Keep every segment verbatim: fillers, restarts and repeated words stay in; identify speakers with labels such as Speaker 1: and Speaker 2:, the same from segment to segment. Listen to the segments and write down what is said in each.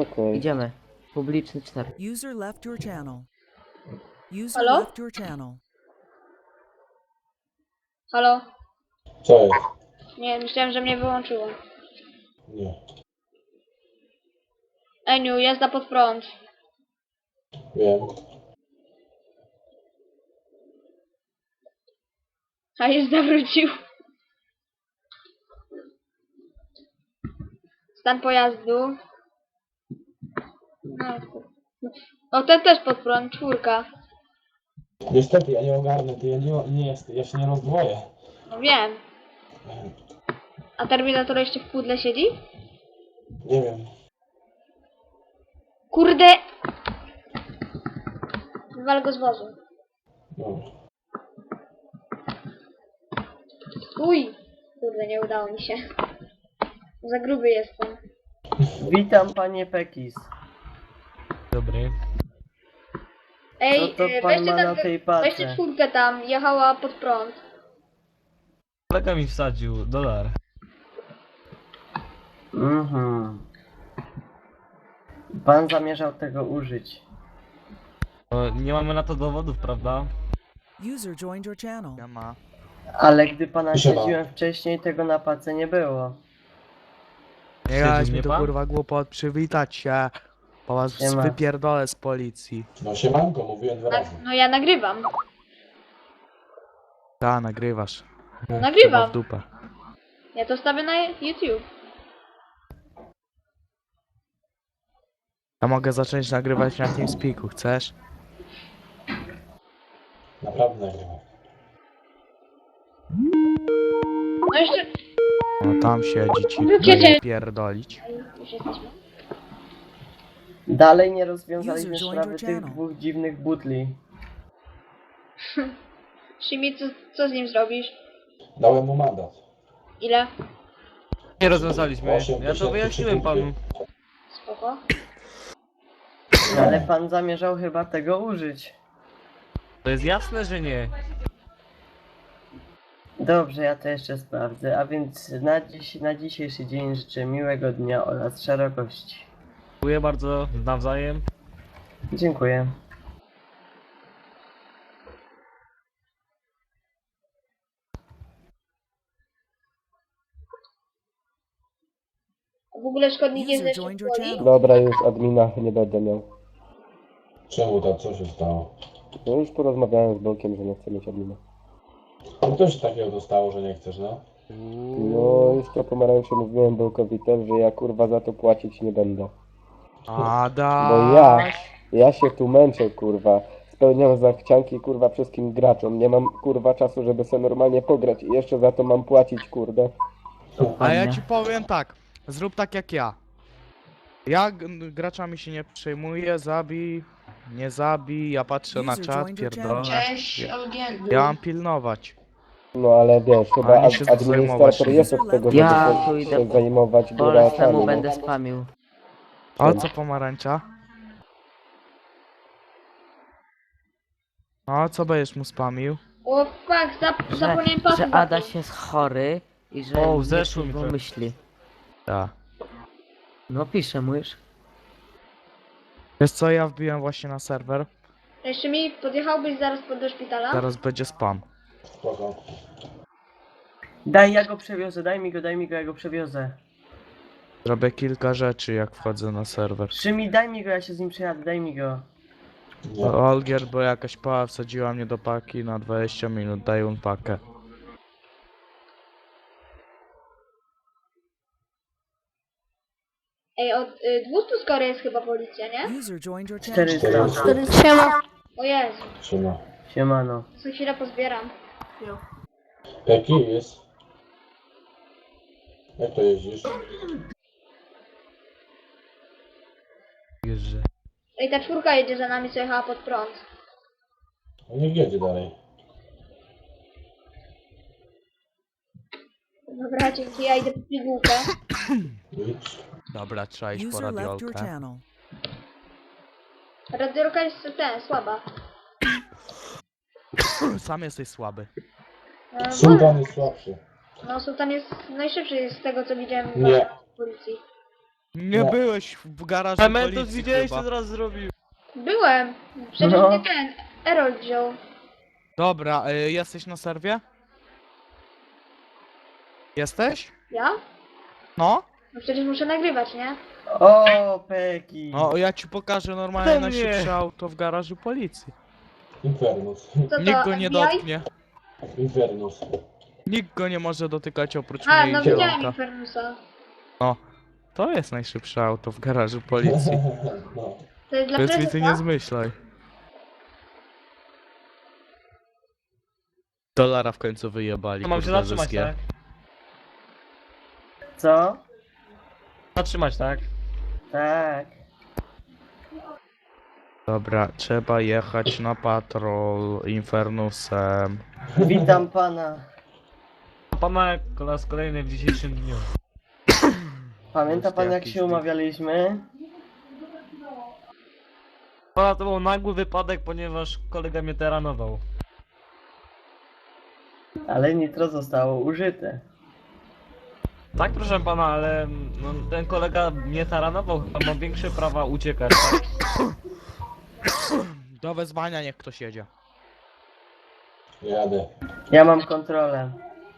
Speaker 1: Okej.
Speaker 2: Idziemy. Publiczny cztery.
Speaker 3: User left your channel. User
Speaker 4: Halo?
Speaker 3: left your channel.
Speaker 4: Halo?
Speaker 5: Co jest?
Speaker 4: Nie, myślałem, że mnie wyłączyło.
Speaker 5: Nie.
Speaker 4: Eniu, jazda pod prąd.
Speaker 5: Wiem.
Speaker 4: A już zawrócił. Stan pojazdu. No, o, ten też pod prąd, czwórka.
Speaker 5: Niestety, ja nie ogarnę, ty ja nie, nie jest, ja się nie rozdwoję.
Speaker 4: No wiem. A Terminator jeszcze w pudle siedzi?
Speaker 5: Nie wiem.
Speaker 4: Kurde! Wywal go z wozu.
Speaker 5: Dobra.
Speaker 4: Uj! Kurde, nie udało mi się. Za gruby jestem.
Speaker 2: Witam panie Pekis.
Speaker 6: Dobry.
Speaker 4: Ej,
Speaker 2: Co to
Speaker 4: y,
Speaker 2: pan
Speaker 4: weźcie,
Speaker 2: ma na
Speaker 4: tam,
Speaker 2: tej
Speaker 4: weźcie
Speaker 2: pace?
Speaker 4: czwórkę tam, jechała pod prąd.
Speaker 6: Kolega mi wsadził dolar.
Speaker 2: Mhm. Pan zamierzał tego użyć.
Speaker 6: No, nie mamy na to dowodów, prawda?
Speaker 3: User joined your channel.
Speaker 6: Ja ma.
Speaker 2: Ale gdy pana
Speaker 5: Proszę
Speaker 2: śledziłem wcześniej, tego na pace nie było.
Speaker 7: Nie gadać
Speaker 6: Śledził
Speaker 7: mi
Speaker 6: mnie
Speaker 7: tu
Speaker 6: pan?
Speaker 7: kurwa głupot, przywitać się. Po was
Speaker 2: Nie ma.
Speaker 7: wypierdolę z policji.
Speaker 5: No siemanko, mówiłem dwa
Speaker 4: Na,
Speaker 5: razy.
Speaker 4: no ja nagrywam.
Speaker 7: Ta, nagrywasz.
Speaker 4: No, nagrywam.
Speaker 7: Chyba w dupę.
Speaker 4: Ja to stawię na YouTube.
Speaker 7: Ja mogę zacząć nagrywać na TeamSpeaku, chcesz?
Speaker 5: Naprawdę nagrywam.
Speaker 4: No jeszcze...
Speaker 7: No tam siedzi ci,
Speaker 4: Wiecie-
Speaker 7: pierdolić.
Speaker 4: Już jesteśmy.
Speaker 2: Dalej nie rozwiązaliśmy
Speaker 3: User joined
Speaker 2: sprawy
Speaker 3: your
Speaker 2: tych
Speaker 3: channel.
Speaker 2: dwóch dziwnych butli.
Speaker 4: Shimi, co, co z nim zrobisz?
Speaker 5: Dałem mu mandat.
Speaker 4: Ile?
Speaker 6: Nie rozwiązaliśmy.
Speaker 5: Osiem
Speaker 6: Ja to
Speaker 5: tysięcy
Speaker 6: wyjaśniłem
Speaker 5: trzy punkty.
Speaker 6: panu.
Speaker 4: Spoko.
Speaker 2: Ale pan zamierzał chyba tego użyć.
Speaker 6: To jest jasne, że nie.
Speaker 2: Dobrze, ja to jeszcze sprawdzę. A więc na, dziś, na dzisiejszy dzień życzę miłego dnia oraz szerokości.
Speaker 6: Dziękuję bardzo, nawzajem.
Speaker 2: Dziękuję.
Speaker 4: A w ogóle szkodnik jest
Speaker 3: User
Speaker 4: lepszy
Speaker 3: joined
Speaker 4: w
Speaker 3: your
Speaker 4: woli?
Speaker 3: channel.
Speaker 1: Dobra, już admina nie będę miał.
Speaker 5: Czemu tak, co się stało?
Speaker 1: No już porozmawiałem z Bolkiem, że nie chcę mieć admina.
Speaker 5: No to się takiego dostało, że nie chcesz, no?
Speaker 1: No już to pomarańczy mówiłem Bolkowi też, że ja kurwa za to płacić nie będę.
Speaker 7: Ada.
Speaker 1: Bo ja, ja się tu męczę kurwa. Spełniam zachcianki kurwa wszystkim graczom. Nie mam kurwa czasu, żeby sobie normalnie pograć i jeszcze za to mam płacić kurde.
Speaker 7: A ja ci powiem tak, zrób tak jak ja. Ja g- graczami się nie przejmuję, zabij, nie zabij, ja patrzę na
Speaker 3: User
Speaker 7: czat,
Speaker 3: joined your
Speaker 7: pierdolę.
Speaker 8: Cześć,
Speaker 7: Ja,
Speaker 8: Olgierdu.
Speaker 7: ja mam pilnować.
Speaker 1: No ale wiesz, chyba
Speaker 7: Ani się
Speaker 1: ad- administrator
Speaker 7: zajmować.
Speaker 1: jest od tego, żeby
Speaker 2: Ja
Speaker 1: się,
Speaker 2: tu idę
Speaker 1: się
Speaker 2: po-
Speaker 1: zajmować
Speaker 2: Po
Speaker 1: graczami.
Speaker 2: temu
Speaker 1: no.
Speaker 2: będę spamił.
Speaker 7: A co pomarańcza? A co będziesz mu spamił?
Speaker 4: O fuck, zap
Speaker 2: Że,
Speaker 4: zapomniałem
Speaker 2: że
Speaker 4: pasy
Speaker 2: Adaś jest chory i że
Speaker 6: O,
Speaker 2: nie
Speaker 6: zeszło mi
Speaker 2: przyjmą
Speaker 6: to.
Speaker 2: myśli.
Speaker 7: Tak.
Speaker 2: No piszę mu już.
Speaker 7: Wiesz co, ja wbiłem właśnie na serwer,
Speaker 4: Jeszcze mi podjechałbyś zaraz pod do szpitala?
Speaker 7: zaraz będzie spam.
Speaker 5: Spoko.
Speaker 2: Daj, ja go przewiozę, daj mi go, daj mi go, ja go przewiozę.
Speaker 7: Zrobię kilka rzeczy jak wchodzę na serwer.
Speaker 2: Szymi, daj mi go, ja się z nim przejadę, daj mi go.
Speaker 5: Nie.
Speaker 7: Olgier, bo jakaś pała wsadziła mnie do paki na dwadzieścia minut, daj un pakę.
Speaker 4: Ej, od y, dwieście skoro jest chyba policja, nie?
Speaker 3: User joined your channel.
Speaker 2: czterysta.
Speaker 4: O Jezu,
Speaker 5: Trzyma.
Speaker 2: Siemano.
Speaker 4: co chwilę pozbieram.
Speaker 5: Jaki jest? Jak to jeździsz?
Speaker 6: Wiesz, że...
Speaker 4: Ej, ta czwórka jedzie za nami, co jechała pod prąd.
Speaker 5: No niech jedzie dalej.
Speaker 4: Dobra, dzięki, ja idę po pigułkę.
Speaker 5: Idź.
Speaker 7: Dobra, trzeba iść po
Speaker 3: User left your
Speaker 7: radiolkę.
Speaker 3: channel.
Speaker 4: Radiorka jest ten, słaba.
Speaker 7: Sam jesteś słaby.
Speaker 4: No,
Speaker 5: Sultan jest słabszy.
Speaker 4: no Sultan jest najszybszy z tego, co widziałem
Speaker 5: Nie.
Speaker 4: w policji.
Speaker 7: Nie
Speaker 5: No.
Speaker 7: byłeś w garażu
Speaker 6: Elementus
Speaker 7: policji
Speaker 6: widziałeś, co
Speaker 7: chyba.
Speaker 6: teraz zrobił?
Speaker 4: Byłem. Przecież
Speaker 2: No.
Speaker 4: mnie ten Erol wziął.
Speaker 7: Dobra, y, jesteś na serwie? Jesteś?
Speaker 4: Ja?
Speaker 7: No?
Speaker 4: No przecież muszę nagrywać, nie?
Speaker 2: O, Peki!
Speaker 7: No, ja ci pokażę normalnie
Speaker 6: To
Speaker 7: najszybsze
Speaker 6: mnie.
Speaker 7: auto w garażu policji.
Speaker 5: Infernus.
Speaker 4: Co to,
Speaker 7: Nikt go nie
Speaker 4: F B I?
Speaker 7: dotknie.
Speaker 5: Infernus.
Speaker 7: Nikt go nie może dotykać oprócz
Speaker 4: A,
Speaker 7: mnie
Speaker 4: no
Speaker 7: i
Speaker 4: widziałem
Speaker 7: zielonka.
Speaker 4: Infernusa.
Speaker 7: To jest najszybsze auto w garażu policji.
Speaker 5: No.
Speaker 4: To jest dla
Speaker 7: Więc mi ty nie
Speaker 4: prezesa?
Speaker 7: zmyślaj. Dolara w końcu wyjebali.
Speaker 6: To mam się
Speaker 7: kurde,
Speaker 6: zatrzymać,
Speaker 7: Z G.
Speaker 6: tak?
Speaker 2: Co?
Speaker 6: Zatrzymać, tak?
Speaker 2: Tak.
Speaker 7: Dobra, trzeba jechać na patrol Infernusem.
Speaker 2: Witam pana.
Speaker 6: Pana po raz kolejny w dzisiejszym dniu.
Speaker 2: Pamięta pan, jak
Speaker 7: jakiś
Speaker 2: się
Speaker 7: wy-
Speaker 2: umawialiśmy?
Speaker 6: Pana to był nagły wypadek, ponieważ kolega mnie teranował.
Speaker 2: Ale nitro zostało użyte.
Speaker 6: Tak, proszę pana, ale no, ten kolega mnie taranował, chyba ma większe prawa uciekać, tak?
Speaker 7: Do wezwania niech ktoś jedzie.
Speaker 5: Jadę.
Speaker 2: Ja mam kontrolę.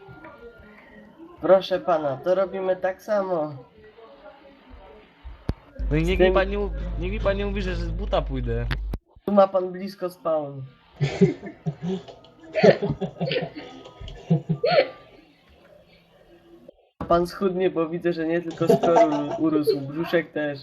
Speaker 2: Proszę pana, to robimy tak samo.
Speaker 6: No i niech
Speaker 2: Z tym-
Speaker 6: mi pan nie, mów- niech mi pan nie mówi, że z buta pójdę.
Speaker 2: Tu ma pan blisko spawn. A pan schudnie, bo widzę, że nie tylko skór urósł, brzuszek też.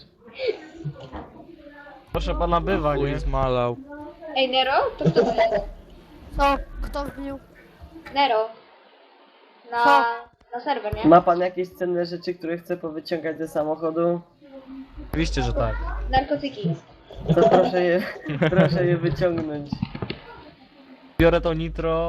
Speaker 6: Proszę pana, bywa, nie?
Speaker 7: Chuj zmalał.
Speaker 4: Ej, Nero? To kto to jest?
Speaker 8: Co? Kto wbił?
Speaker 4: Nero. Na,
Speaker 8: Co?
Speaker 4: na serwer, nie?
Speaker 2: Ma pan jakieś cenne rzeczy, które chce powyciągać ze samochodu?
Speaker 6: Oczywiście, że tak.
Speaker 4: Narkotyki.
Speaker 2: To proszę je, proszę je wyciągnąć.
Speaker 6: Biorę to nitro.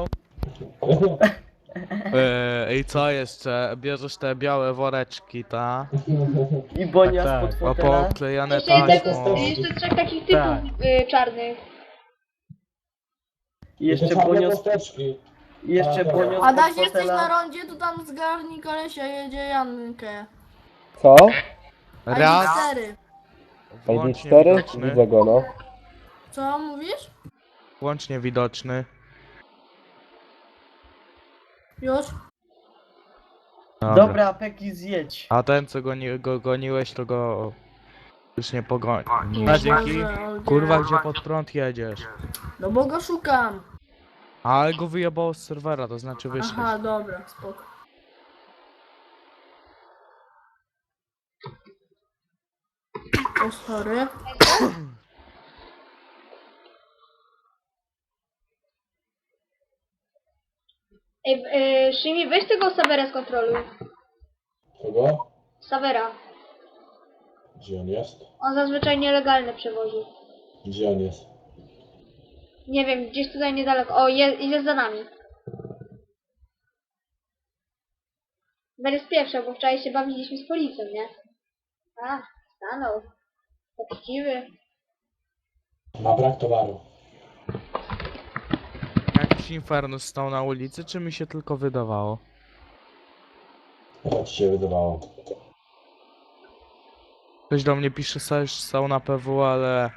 Speaker 7: Eee, I co jeszcze? Bierzesz te białe woreczki, ta?
Speaker 2: I bonia
Speaker 6: Tak, tak.
Speaker 2: spod
Speaker 7: A
Speaker 2: fotela.
Speaker 7: poklejane
Speaker 4: Jeszcze, jest
Speaker 7: taśmą.
Speaker 4: tego, jeszcze trzech takich typów
Speaker 6: Tak.
Speaker 4: y, czarnych.
Speaker 2: I jeszcze
Speaker 5: czarne
Speaker 2: bonio,
Speaker 5: kosteczki.
Speaker 2: i jeszcze
Speaker 5: A,
Speaker 2: bonio
Speaker 8: Adaś,
Speaker 2: spod
Speaker 8: jesteś na
Speaker 2: fotela.
Speaker 8: rondzie, to tam zgarnij kolesia, jedzie Jankę.
Speaker 1: Co?
Speaker 7: Raz,
Speaker 8: cztery.
Speaker 1: I D
Speaker 7: włącznie
Speaker 1: cztery?
Speaker 7: widoczny.
Speaker 1: Widzę go, no.
Speaker 8: Co mówisz?
Speaker 7: Włącznie widoczny.
Speaker 8: Już?
Speaker 7: Dobra.
Speaker 2: Dobra, Peki, zjedź.
Speaker 7: A ten co goni, go goniłeś, to go już nie pogoni.
Speaker 6: A, dzięki.
Speaker 8: Boże,
Speaker 7: Kurwa, gdzie pod prąd jedziesz?
Speaker 8: No bo go szukam.
Speaker 7: Ale go wyjebało z serwera, to znaczy wyszedł.
Speaker 8: Aha, dobra, spoko. O, sorry.
Speaker 4: Ej, y, Shimi, weź tego Savera skontroluj.
Speaker 5: Kogo?
Speaker 4: Savera.
Speaker 5: Gdzie on jest?
Speaker 4: On zazwyczaj nielegalne przewozi.
Speaker 5: Gdzie on jest?
Speaker 4: Nie wiem, gdzieś tutaj niedaleko. O, je, jest za nami. Będę spieprzał, bo wczoraj się bawiliśmy z policją, nie? A, stanął. Poczciwy.
Speaker 5: Ma brak towaru.
Speaker 7: Jakiś Infernus stał na ulicy, czy mi się tylko wydawało?
Speaker 5: Co ci się wydawało?
Speaker 7: Ktoś do mnie pisze, że stał na P W, ale...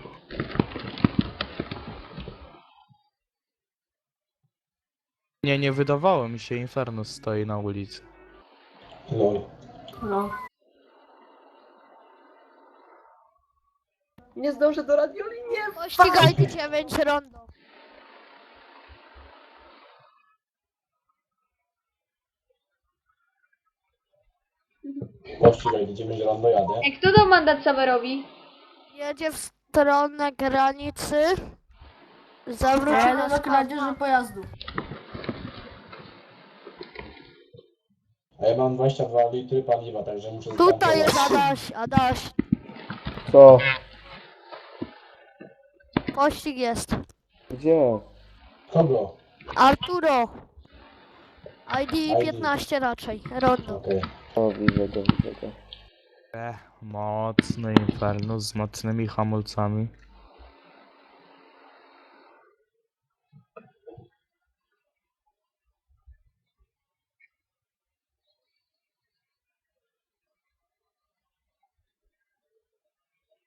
Speaker 7: Nie, nie wydawało mi się, Infernus stoi na ulicy.
Speaker 5: Lol.
Speaker 8: No.
Speaker 2: Nie zdążę do radioli, nie!
Speaker 8: Ścigajcie dziewięć rondo.
Speaker 5: Pościgaj, idziemy zielone, jadę.
Speaker 4: Ej, kto dał mandat Saverowi?
Speaker 8: Jedzie w stronę granicy. Zawróci
Speaker 2: Ale
Speaker 8: na
Speaker 2: no
Speaker 8: kradzieży pojazdu.
Speaker 5: A ja mam dwadzieścia dwa litry paliwa, także muszę
Speaker 8: Tutaj jest
Speaker 5: zatankować.
Speaker 8: Adaś, Adaś.
Speaker 1: Co?
Speaker 8: Pościg jest.
Speaker 1: Gdzie?
Speaker 5: Kogo?
Speaker 8: Arturo. I D
Speaker 5: I D.
Speaker 8: piętnaście raczej, rondo.
Speaker 5: Okej.
Speaker 1: O, widzę go, widzę go.
Speaker 7: E, mocny Infernus z mocnymi hamulcami.